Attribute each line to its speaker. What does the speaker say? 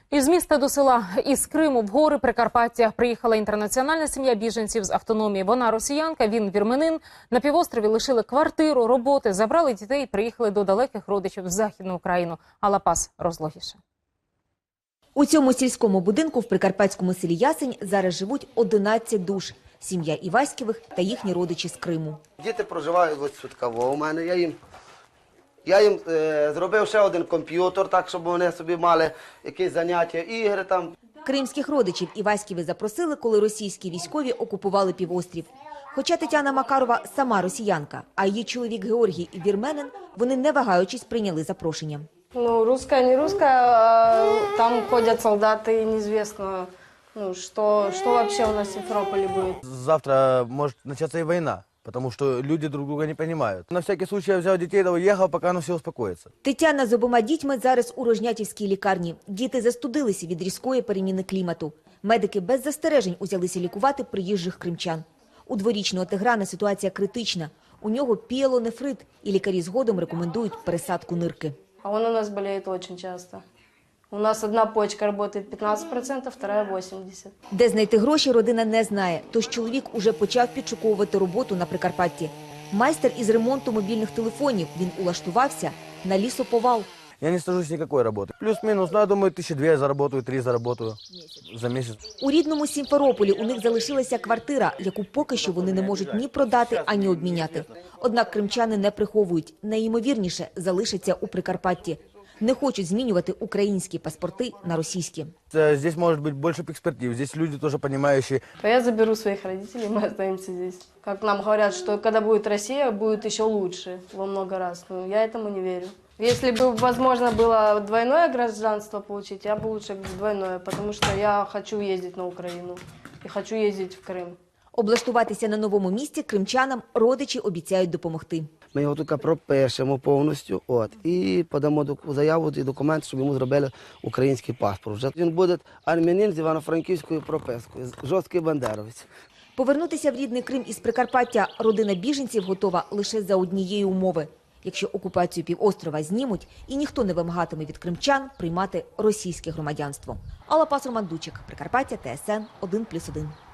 Speaker 1: Із міста до села, із Криму в гори Прикарпаття приїхала інтернаціональна сім'я біженців з автономії. Вона росіянка, він вірменин. На півострові лишили квартиру, роботи, забрали дітей і приїхали до далеких родичів в Західну Україну. Алапас розлогіше.
Speaker 2: У цьому сільському будинку в прикарпатському селі Ясень зараз живуть 11 душ. Сім'я Іваськівих та їхні родичі з Криму.
Speaker 3: Діти проживають ось Свідково у мене. Я їм зробив ще один комп'ютер, так, щоб вони собі мали якісь заняття, ігри там.
Speaker 2: Кримських родичів Іваськіви запросили, коли російські військові окупували півострів. Хоча Тетяна Макарова сама росіянка, а її чоловік Георгій вірменин, вони не вагаючись прийняли запрошення.
Speaker 4: Ну, русская, не русская, там ходят солдаты, и неизвестно, что вообще у нас в Симферополе будет.
Speaker 5: Завтра может начаться и война, потому что люди друг друга не понимают. На всякий случай я взял детей, да уехал, пока оно все успокоится.
Speaker 2: Тетяна з обома дітьми зараз у Рожнятівській лікарні. Діти застудилися від різкої переміни клімату. Медики без застережень узялися лікувати приїжджих кримчан. У дворічного Тиграна ситуація критична. У нього піелонефрит, і лікарі згодом рекомендують пересадку нирки.
Speaker 4: А он у нас болеет очень часто. У нас одна почка работает 15%, вторая 80%.
Speaker 2: Де знайти гроші, родина не знає. Тож чоловік уже почав підшуковувати роботу на Прикарпатті. Майстер із ремонту мобільних телефонів. Він улаштувався на лісоповал.
Speaker 5: Я не стажусь никакой работы. Плюс-минус, я думаю, 1200 я заработаю, 3 заработаю за месяц.
Speaker 2: У рідному Сімферополі у них залишилася квартира, яку поки що вони не можуть ні продати, ані обміняти. Однак кримчани не приховують. Найімовірніше залишаться у Прикарпатті. Не хочуть змінювати українські паспорти на російські.
Speaker 5: Здесь может быть больше перспектив, здесь люди тоже понимающие.
Speaker 4: Я заберу своих родителей, мы останемся здесь. Как нам говорят, что когда будет Россия, будет еще лучше во много раз. Но я этому не верю. Если бы возможно было двойное гражданство получить, я бы лучше двойное, потому что я хочу ездить на Украину и хочу ездить в Крым.
Speaker 2: Облаштуватися на новому місці кримчанам родичі обіцяють допомогти.
Speaker 3: Ми його тільки пропишемо повністю і подамо заяву і документ, щоб йому зробили український паспорт. Вже він буде армянин з івано-франківською пропискою, жорсткий бандеровець.
Speaker 2: Повернутися в рідний Крим із Прикарпаття родина біженців готова лише за однієї умови. Якщо окупацію півострова знімуть і ніхто не вимагатиме від кримчан приймати російське громадянство. Алапас, Роман Дучик, Прикарпаття, ТСН 1+1.